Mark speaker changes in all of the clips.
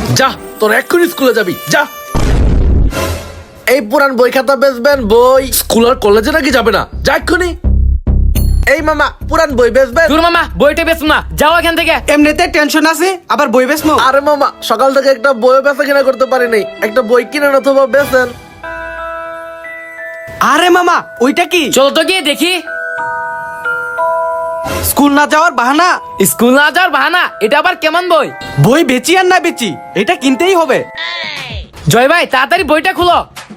Speaker 1: যা, তোর এক্ষুনি স্কুলে যাবি, যা। এই পুরান বই খাতা বেচবেন? বই স্কুল আর কলেজে নাকি যাবে না? যা এক্ষুনি। এই মামা, পুরান বই বেচবেন?
Speaker 2: তোর মামা বইটা বেচুন না, যাও এখান থেকে।
Speaker 3: এমনিতে টেনশন আছে, আবার বই বেচমু?
Speaker 1: আরে মামা, সকাল থেকে একটা বই বেচা কিনা করতে পারি নাই, একটা বই কিনেন অথবা বেচেন।
Speaker 3: আরে মামা, ওইটা কি?
Speaker 2: চলো তো গিয়ে দেখি।
Speaker 3: স্কুল না যাওয়ার বাহানা?
Speaker 2: স্কুল না যাওয়ার বাহানা? এটা আবার কেমন বই?
Speaker 3: বই বেচি আর না বেচি, এটা কিনতেই হবে।
Speaker 2: জয় ভাই, তাড়াতাড়ি বইটা খুলো।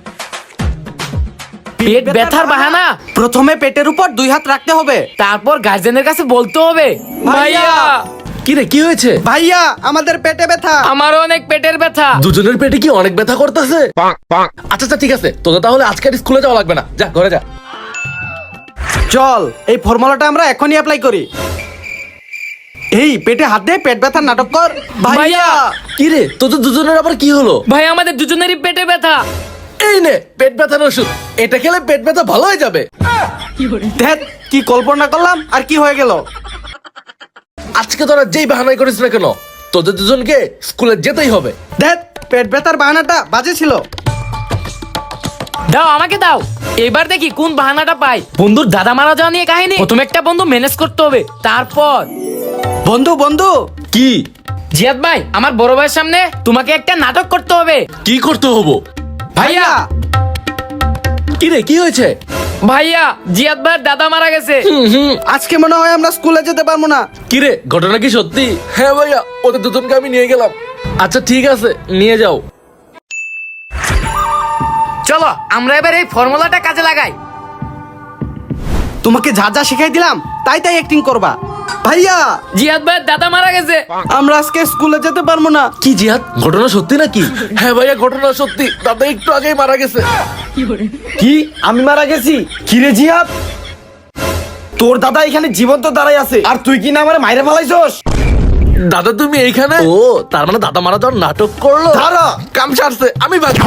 Speaker 2: পেট ব্যথার বাহানা?
Speaker 3: প্রথমে পেটের উপর 2 হাত রাখতে হবে,
Speaker 2: তারপর গার্জেনের কাছে বলতে হবে
Speaker 3: ভাইয়া।
Speaker 1: কি রে, কি হয়েছে?
Speaker 3: ভাইয়া আমাদের পেটে ব্যথা।
Speaker 2: আমারও অনেক পেটের ব্যথা।
Speaker 1: দুজনের পেটে কি অনেক ব্যথা করতেছে? আচ্ছা আচ্ছা, ঠিক আছে, তোদের তাহলে আজকে আর স্কুলে যাওয়া লাগবে না, যা ঘরে যা।
Speaker 3: চল এই ফর্মুলাটা আমরা এখনই অ্যাপ্লাই করি। এই পেটে হাত দে, পেট ব্যথার নাটক কর। ভাইয়া।
Speaker 1: কি রে, তোদের দুজনের আবার কি হলো?
Speaker 2: ভাই আমাদের দুজনেরই পেটে ব্যথা।
Speaker 1: এই নে পেট ব্যথার ওষুধ, এটা খেলে পেট ব্যথা ভালো হয়ে যাবে।
Speaker 3: ধ্যাৎ, কি কল্পনা করলাম আর কি হয়ে গেল।
Speaker 1: আজকে তোরা যেই বাহানাই করিস না কেন, তোদের দুজনকে স্কুলে যেতেই হবে।
Speaker 3: ধ্যাৎ, পেট ব্যথার বাহানাটা বাজে ছিল।
Speaker 2: দাও আমাকে দাও, এবার দেখি কোন বাহানাটা পাই। বন্ধুর দাদা মারা যাওয়া নিয়ে কাহিনী। প্রথমে একটা বন্ধু ম্যানেজ করতে হবে, তারপর
Speaker 3: বন্ধু বন্ধু।
Speaker 1: কি?
Speaker 2: জিয়াদ ভাই, আমার বড় ভাইয়ের সামনে তোমাকে একটা নাটক করতে হবে।
Speaker 1: কি করতে হবো?
Speaker 2: ভাইয়া।
Speaker 1: কি রে, কি হয়েছে?
Speaker 2: ভাইয়া, জিয়াদ ভাইয়ের দাদা মারা গেছে।
Speaker 3: আজকে মনে হয় আমরা স্কুলে যেতে পারবো না।
Speaker 1: কি রে, ঘটনা কি সত্যি? হ্যাঁ ভাইয়া, ওদের দুজনকে আমি নিয়ে গেলাম। আচ্ছা ঠিক আছে, নিয়ে যাও।
Speaker 2: চলো আমরা এবার এই ফর্মুলাটা কাজে লাগাই।
Speaker 3: তোমাকে যা যা শিখাই দিলাম তাই তাই অ্যাক্টিং করবা। ভাইয়া,
Speaker 2: জিয়াদ ভাইয়ের দাদা মারা গেছে।
Speaker 3: আমরা আজকে স্কুলে যেতে পারবো না।
Speaker 1: কি জিহাদ, ঘটনা সত্যি নাকি? হ্যাঁ ভাইয়া, ঘটনা সত্যি, দাদা একটু আগেই মারা গেছে।
Speaker 4: কি, আমি মারা গেছি? কি রে জিহাদ, তোর দাদা এখানে জীবন্ত দাঁড়াই আছে আর তুই কি না আমার মাইরে ফেলাইছস?
Speaker 1: দাদা তুমি এইখানে? ও, তার মানে দাদা মারা যাওয়ার নাটক করলো।
Speaker 4: দাঁড়া।
Speaker 1: কাম সারছে, আমি বাঁচি।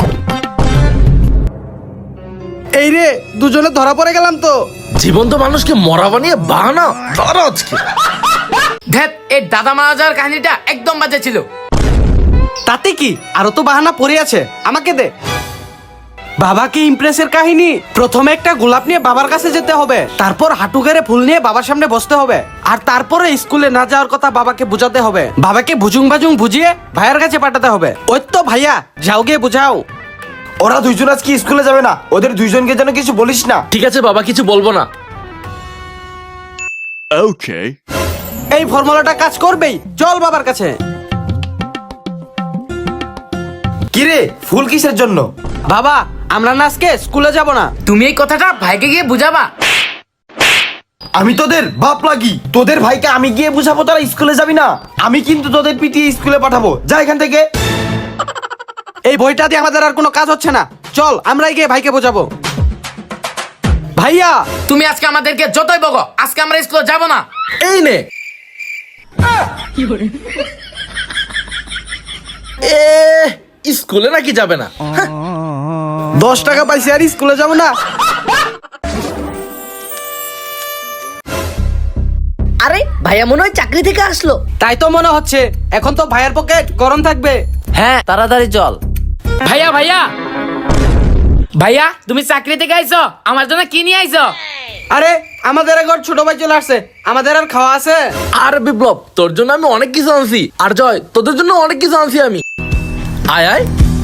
Speaker 3: এই রে, দুজনে ধরা পড়ে গেলাম তো।
Speaker 1: জীবন্ত মানুষকে মরা বানিয়ে বাহানা ধরো আজকে।
Speaker 2: ধ্যাৎ, এই দাদা মারা যাওয়ার কাহিনীটা একদম বাজে ছিল।
Speaker 3: তাতে কি, আরো তো বাহানা পড়ে আছে, আমাকে দে। বাবাকে ইমপ্রেসের কাহিনী। প্রথমে একটা গোলাপ নিয়ে বাবার কাছে যেতে হবে, তারপর হাঁটু গেড়ে ফুল নিয়ে বাবার সামনে বসতে হবে, আর তারপরে স্কুলে না যাওয়ার কথা বাবাকে বুঝাতে হবে। বাবাকে ভুজুং বাজুং বুঝিয়ে ভাইয়ের কাছে পাঠাতে হবে। ওই তো ভাইয়া, যাও গিয়ে বুঝাও।
Speaker 4: ওরা দুইজন আজকে স্কুলে যাবে না, ওদের দুইজনকে যেন কিছু বলিস না।
Speaker 1: ঠিক আছে বাবা, কিছু বলবো না।
Speaker 3: এই ফর্মুলাটা কাজ করবেই, চল বাবার কাছে।
Speaker 4: কি রে, ফুল কিসের জন্য?
Speaker 3: বাবা, আমরা না আজকে স্কুলে যাব না।
Speaker 2: তুমি এই কথাটা ভাইকে গিয়ে বুঝাবা।
Speaker 4: আমি তোদের বাপ লাগি, তোদের ভাইকে আমি গিয়ে বুঝাবো তারা স্কুলে যাবি না? আমি কিন্তু তোদের পিটিয়ে স্কুলে পাঠাবো, যা এখান থেকে।
Speaker 3: এই বইটা দিয়ে আমাদের আর কোনো কাজ হচ্ছে না, চল আমরাই গিয়ে ভাইকে বোঝাবো। ভাইয়া,
Speaker 2: তুমি আজকে আমাদেরকে যতই বকো, আজকে আমরা স্কুলে যাব না।
Speaker 1: এই নে। স্কুলে নাকি যাবে না?
Speaker 3: 10 টাকা পাইছি আর স্কুলে যাব না?
Speaker 5: আরে ভাইয়া মনে হয় চাকরি থেকে আসলো।
Speaker 3: তাই তো মনে হচ্ছে। এখন তো ভাইয়ের পকেট গরম থাকবে।
Speaker 2: হ্যাঁ, তাড়াতাড়ি চল। ভাইয়া ভাইয়া ভাইয়া, তুমি চাকরি থেকে আইছো, আমার জন্য কি নিয়ে আইছো?
Speaker 3: আরে আমাদের ঘর ছোট ভাই চলে আসছে, আমাদের আর খাওয়া আছে?
Speaker 1: আর বিপ্লব, তোর জন্য আমি অনেক কিছু আনছি, আর জয় তোদের জন্য অনেক কিছু আনছি আমি। আয় আয়।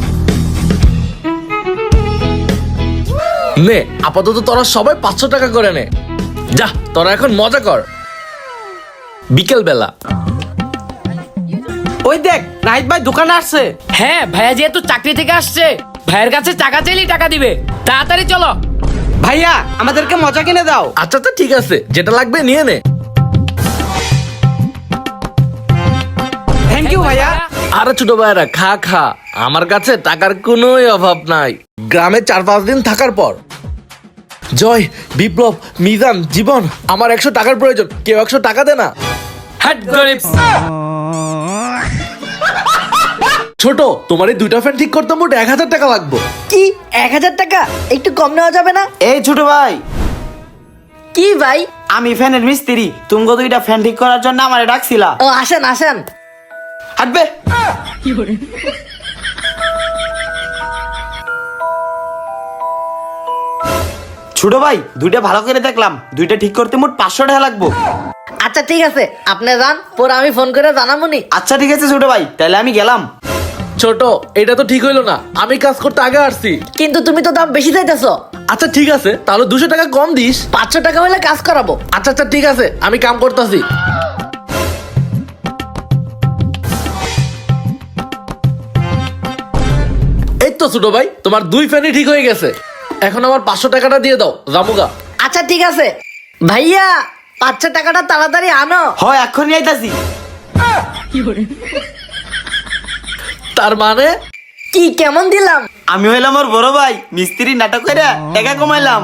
Speaker 1: নে, আপাতত তোরা সবাই 500 টাকা করে নে। যা, তোরা এখন মজা কর। বিকেল বেলা।
Speaker 3: ওই দেখ, নাহিদ ভাই দোকানে আসছে।
Speaker 2: হ্যাঁ, ভাইয়া যেহেতু চাকরি থেকে আসছে, ভাইয়ের কাছে টাকা চাইলেই টাকা দিবে। তাড়াতাড়ি চলো।
Speaker 3: ভাইয়া, আমাদেরকে মজা কিনে দাও।
Speaker 1: আচ্ছা আচ্ছা, ঠিক আছে, যেটা লাগবে নিয়ে নে।
Speaker 3: থ্যাংক ইউ ভাইয়া।
Speaker 1: আরে ছোট ভাইরা, খা খা, আমার কাছে টাকার কোনো অভাব নাই। গ্রামে 4-5 দিন থাকার পর জয়, বিপ্লব, মিজান, জীবন, আমার 100 টাকার প্রয়োজন, কেউ 100 টাকা দে না।
Speaker 2: হাট গরিব।
Speaker 1: ছোট, তোমার এই 2টা ফ্যান ঠিক করতে মোট 1000 টাকা লাগবে।
Speaker 5: কি 1000 টাকা? একটু কম নেওয়া যাবে না?
Speaker 4: এই ছোট ভাই,
Speaker 5: কি ভাই?
Speaker 4: আমি ফ্যানের মিস্ত্রি, তুমি 2টা ফ্যান ঠিক করার জন্য আমারে ডাকছিলা।
Speaker 5: ও আসেন আসেন।
Speaker 3: হাঁটবে। ছোট ভাই, দুইটা ভালো করে দেখলাম, দুইটা ঠিক করতে মোট 500 টাকা লাগবো।
Speaker 5: আচ্ছা ঠিক আছে, আপনি যান, পরে আমি ফোন করে জানাবনি।
Speaker 3: আচ্ছা ঠিক আছে ছোট ভাই, তাহলে আমি গেলাম।
Speaker 1: ছোট, এটা তো ঠিক হইলো না, আমি কাজ করতে আগে আসছি।
Speaker 5: কিন্তু তুমি তো দাম বেশি চাইতেছো।
Speaker 1: আচ্ছা ঠিক আছে, তাহলে 200 টাকা কম দিস।
Speaker 5: 500 টাকা হলে কাজ করাবো।
Speaker 1: আচ্ছা আচ্ছা ঠিক আছে, আমি কাম করতেছি। এই তো ছোট ভাই, তোমার 2 ফ্যানই ঠিক হয়ে গেছে। এখন আমার 500 টাকাটা দিয়ে দাও, জামুগা।
Speaker 5: আচ্ছা ঠিক আছে ভাইয়া, 500 টাকাটা তাড়াতাড়ি আনো।
Speaker 3: হয় এক্ষুনি আইতাছি।
Speaker 1: তার মানে
Speaker 5: কি কেমন দিলাম?
Speaker 3: আমি হইলাম ওর বড় ভাই, মিস্ত্রি নাটক করে টাকা কমাইলাম।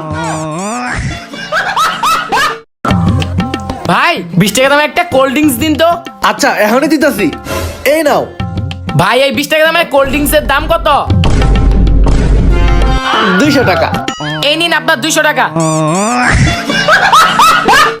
Speaker 2: ভাই 20 টাকা দামের একটা কোল্ড ড্রিঙ্কস দিন তো।
Speaker 1: আচ্ছা এখনই দিতেছি, এই নাও।
Speaker 2: ভাই এই 20 টাকা দামের কোল্ড ড্রিঙ্কস এর দাম কত?
Speaker 1: 200 টাকা।
Speaker 2: এই নিন আপনার 200 টাকা।